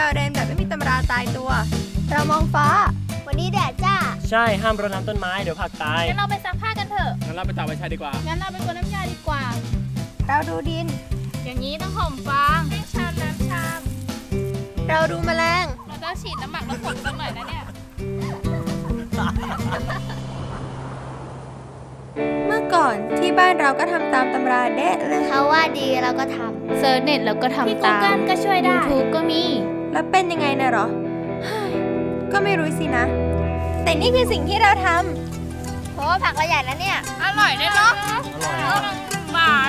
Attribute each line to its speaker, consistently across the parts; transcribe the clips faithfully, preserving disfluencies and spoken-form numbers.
Speaker 1: เราเรียนแบบไม่มีตำราตายตัวเรามองฟ้าวันนี้แดดจ้า
Speaker 2: ใช่ห้ามรดน้ำต้นไม้เดี๋ยวผักตาย
Speaker 3: งั้นเราไปซักผ้ากันเถอะ
Speaker 4: งั้นเราไปตักใบชาดีกว่า
Speaker 3: งั้นเราไปกวนน้ำยาดีกว่า
Speaker 1: เราดูดิน
Speaker 3: อย่างนี้ต้องห่มฟางให้ชามน้ำชาม
Speaker 1: เราดูแมลง
Speaker 3: เราต้องฉีดน้ำหมักน้ำฝนสักหน่อยนะเนี่ย
Speaker 1: เมื่อก่อนที่บ้านเราก็ทำตามตำราเด๊ะเลย
Speaker 5: เขาว่าดีเราก็ทำ
Speaker 3: เซิร์ชเน็ตแล้วก็ทำตามที่ Google ก็ช่วยได้ YouTube ก็มี
Speaker 1: แล้วเป็นยังไงนะหรอก็ไม่รู้สินะแต่นี่คือสิ่งที่เราทำ
Speaker 5: เพราะว่าผักเราใหญ่นะเนี่ย
Speaker 3: อร่อยด้วยเนาะหวาน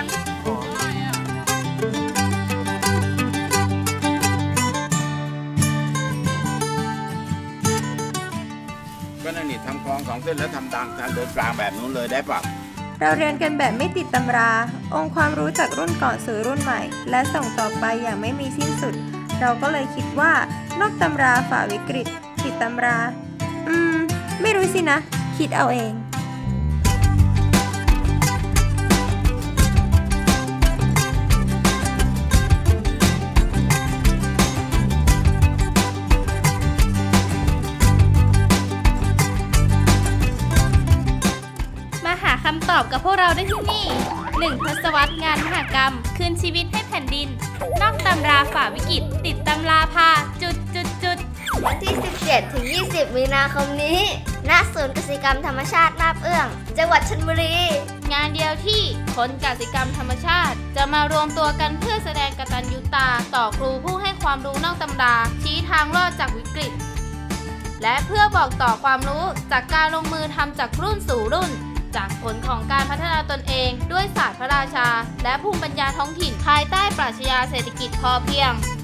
Speaker 6: ก็นั่นนี่ทำคลองสองเส้นแล้วทำทางทางเดินกลางแบบนู้นเลยได้ปะ
Speaker 1: เราเรียนกันแบบไม่ติดตำราองค์ความรู้จากรุ่นก่อนสู่รุ่นใหม่และส่งต่อไปอย่างไม่มีสิ้นสุดเราก็เลยคิดว่านอกตำราฝ่าวิกฤตติดตำราอืมไม่รู้สินะคิดเอาเอง
Speaker 3: คำตอบกับพวกเราได้ที่นี่หนึ่งทศวรรษงานมหกรรมคืนชีวิตให้แผ่นดินนอกตำราฝ่าวิกฤตติดตำราพาจุดจุดจุด
Speaker 5: วันที่สิบเจ็ดถึงยี่สิบมีนาคมนี้ณศูนย์กสิกรรมธรรมชาตินาบเอื้องจังหวัดชลบุรี
Speaker 3: งานเดียวที่คนกสิกรรมธรรมชาติจะมารวมตัวกันเพื่อแสดงกตัญญูตาต่อครูผู้ให้ความรู้นอกตำราชี้ทางรอดจากวิกฤตและเพื่อบอกต่อความรู้จากการลงมือทำจากรุ่นสู่รุ่นจากผลของการพัฒนาตนเองด้วยศาสตร์พระราชาและภูมิปัญญาท้องถิ่นภายใต้ปรัชญาเศรษฐกิจพอเพียง